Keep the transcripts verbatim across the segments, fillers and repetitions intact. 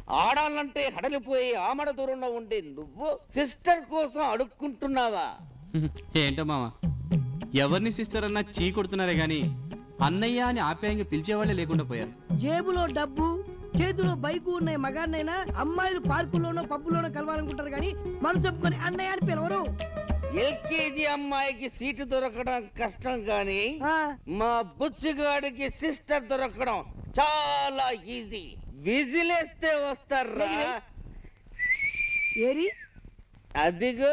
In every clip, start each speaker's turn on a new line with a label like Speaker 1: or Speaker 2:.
Speaker 1: ఆడాలంటే హడలిపోయి ఆమడ దూరంలో ఉండే నువ్వు సిస్టర్ కోసం అడుక్కుంటున్నావా?
Speaker 2: ఏంటో మామ, ఎవరిని సిస్టర్ అన్నా చీ కొడుతున్నారే గాని అన్నయ్య అని ఆప్యాయంగా పిలిచేవాళ్లే లేకుండా పోయారు.
Speaker 3: జేబులో డబ్బు చేతిలో బైకు ఉన్న మగాన్నైనా అమ్మాయిలు పార్కుల్లోనో పబ్బుల్లోనో కలవాలనుకుంటారు కానీ మనం చెప్పుకొని అన్నయ్య అని పిలవరు.
Speaker 1: ఎల్కేజీ అమ్మాయికి సీటు దొరకడం కష్టం గాని మా బుచ్చిగాడికి సిస్టర్ దొరకడం చాలా ఈజీ. విజిలేస్తే వస్తారా?
Speaker 3: ఏరి
Speaker 1: అదిగో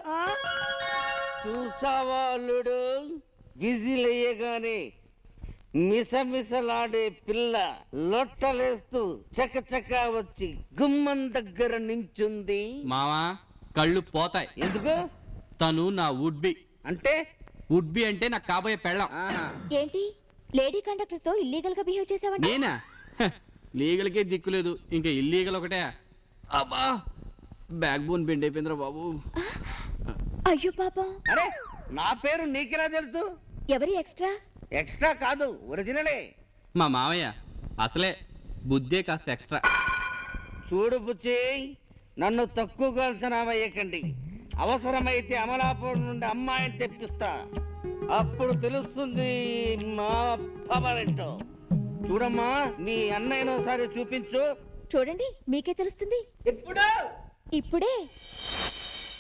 Speaker 1: చూసావా అల్లుడు, విజిలేయగానే మిసమిసలాడే పిల్ల లొట్టలేస్తూ చకచక వచ్చి గుమ్మం దగ్గర నించుంది.
Speaker 2: మావా కళ్ళు పోతాయి.
Speaker 1: ఎందుకు?
Speaker 2: తను నా వుడ్ బి.
Speaker 1: అంటే
Speaker 2: వుడ్ బి అంటే నాకు కాబోయే పెళ్ళం.
Speaker 4: ఏంటి లేడీ కండక్టర్ తో ఇల్లీగల్ గా బిహేవ్ చేసావంట?
Speaker 2: నేనా? లీగల్ కే దిక్కులేదు, ఇంకా ఇల్లీగల్ ఒకటే. అబ్బా బ్యాక్ బోన్ బెండ్ అయిపోయిందిరా బాబు.
Speaker 4: అయ్యో పాపం.
Speaker 1: అరే నా పేరు నీకెలా తెలుసు?
Speaker 4: ఎవరి ఎక్స్ట్రా?
Speaker 1: ఎక్స్ట్రా కాదు, ఒరిజినలే.
Speaker 2: మా మావయ్య అసలే బుద్ధే కాస్త ఎక్స్ట్రా.
Speaker 1: చూడు బుచ్చి, నన్ను తక్కువగా అంచనా వేయకండి. అవసరమైతే అమలాపురం నుండి అమ్మాయిని తెప్పిస్తా, అప్పుడు తెలుస్తుంది మా పవర్ ఏంటో. చూడమ్మా, మీ అన్నయ్యను ఒకసారి చూపించు.
Speaker 4: చూడండి, మీకే తెలుస్తుంది.
Speaker 1: ఇప్పుడు
Speaker 4: ఇప్పుడే